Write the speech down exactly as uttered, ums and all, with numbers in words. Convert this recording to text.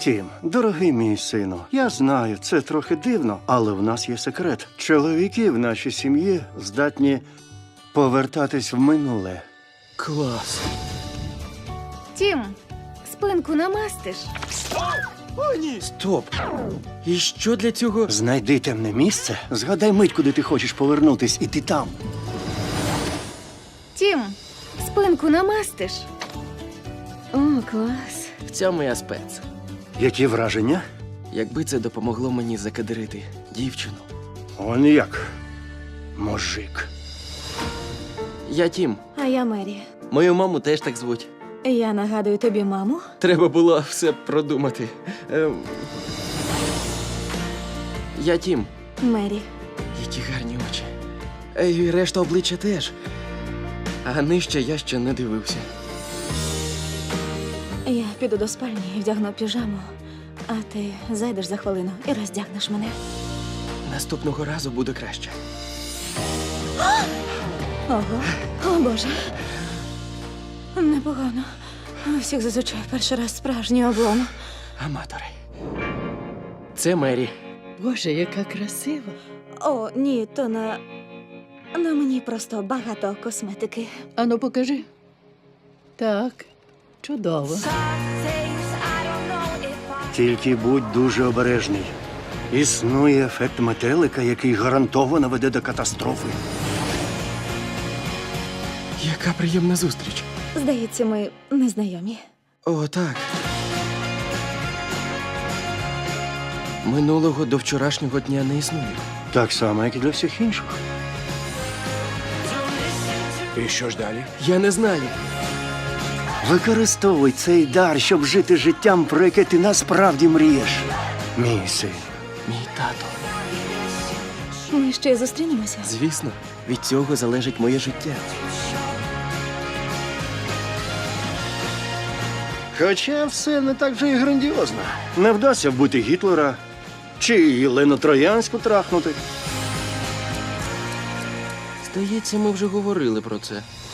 Тім, дорогий мій сину, я знаю, це трохи дивно, але в нас є секрет. Чоловіки в нашій сім'ї здатні повертатись в минуле. Клас. Тім, спинку намастиш? О, ні! Стоп! І що для цього? Знайди темне місце, згадай мить, куди ти хочеш повернутись, і ти там. Тім, спинку намастиш? О, клас. Ця моя спец. Які враження? Якби це допомогло мені закадирити дівчину. Он як. Мужик. Я Тім. А я Мері. Мою маму теж так звуть. Я нагадую тобі маму. Треба було все продумати. Ем... Я Тім. Мері. Які гарні очі. Е, І решта обличчя теж. А нижче я ще не дивився. Я піду до спальні і вдягну піжаму, а ти зайдеш за хвилину і роздягнеш мене. Наступного разу буде краще. Ого, о Боже. Непогано. У всіх зазвичай перший раз справжній облом. Аматори. Це Мері. Боже, яка красива. О, ні, то на... На мені просто багато косметики. Ану, покажи. Так, чудово. Тільки будь дуже обережний. Існує ефект метелика, який гарантовано веде до катастрофи. Яка приємна зустріч. Здається, ми незнайомі. О, так. Минулого до вчорашнього дня не існує. Так само, як і для всіх інших. І що ж далі? Я не знаю. Використовуй цей дар, щоб жити життям, про яке ти насправді мрієш. Мій син. Мій тато. Ми ще зустрінемося. Звісно, від цього залежить моє життя. Хоча все не так вже і грандіозно. Не вдасться вбити Гітлера чи Єлену Троянську трахнути. Здається, ми вже говорили про це.